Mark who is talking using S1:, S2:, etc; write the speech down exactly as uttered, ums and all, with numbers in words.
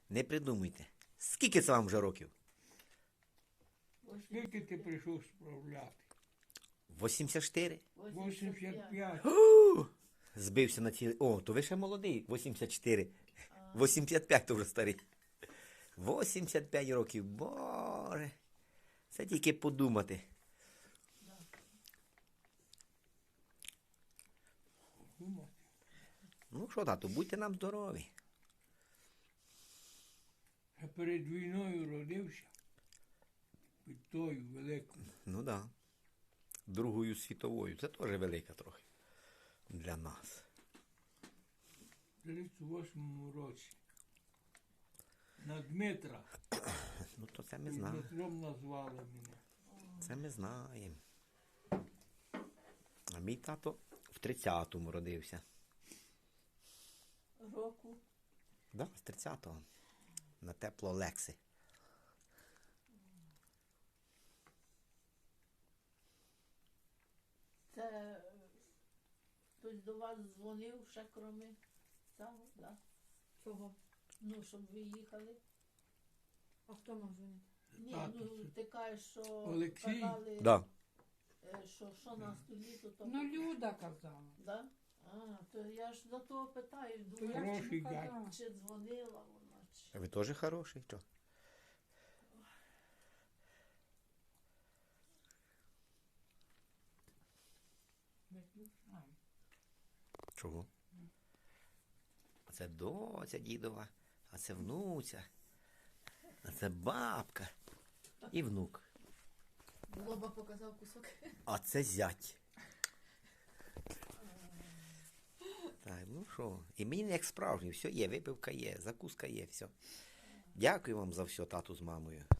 S1: Не придумуйте. Скільки це вам вже років?
S2: Скільки ти прийшов справляти?
S1: вісімдесят чотири?
S2: вісімдесят п'ять.
S1: У! Збився на цілий. О, то ви ще молодий. вісімдесят чотири. вісімдесят п'ять то вже старий. вісімдесят п'ять років. Боже. Це тільки подумати.
S2: Думати.
S1: Ну що, тату, будьте нам здорові.
S2: Я перед війною родився. Під тою великою.
S1: Ну так. Да. Другою світовою. Це теж велика трохи. Для нас.
S2: В тридцять восьмому році. На Дмитра.
S1: Ну то це ми знаємо.
S2: Дмитром назвали мене.
S1: Це ми знаємо. А мій тато в тридцятому родився.
S3: Року.
S1: Да, з тридцятого. На тепло Лекси.
S3: Це е, хтось до вас дзвонив ще кроме цього, да?
S4: Чого?
S3: Ну, щоб ви їхали.
S4: А хто мав дзвонити?
S3: Ні,
S2: Тато,
S3: ну
S2: це-
S3: ти кажеш, що
S2: Олексій?
S3: казали,
S1: Да.
S3: е, що, що на столі, то то.
S4: Ну, Люда казала.
S3: Да? А, то я ж за того питаю,
S4: То я
S3: думаю,
S4: ж
S2: Хороший
S4: йому казала.
S3: чи дзвонила вона, чи.
S1: А ви теж хороший, що?
S4: Ай.
S1: Чого? А це доця дідова, а це внуця, а це бабка і внук.
S5: Лоба показав кусок.
S1: А це зять. Так, ну що, і мені як справжній, все є, випивка є, закуска є, все. Дякую вам за все, тату з мамою.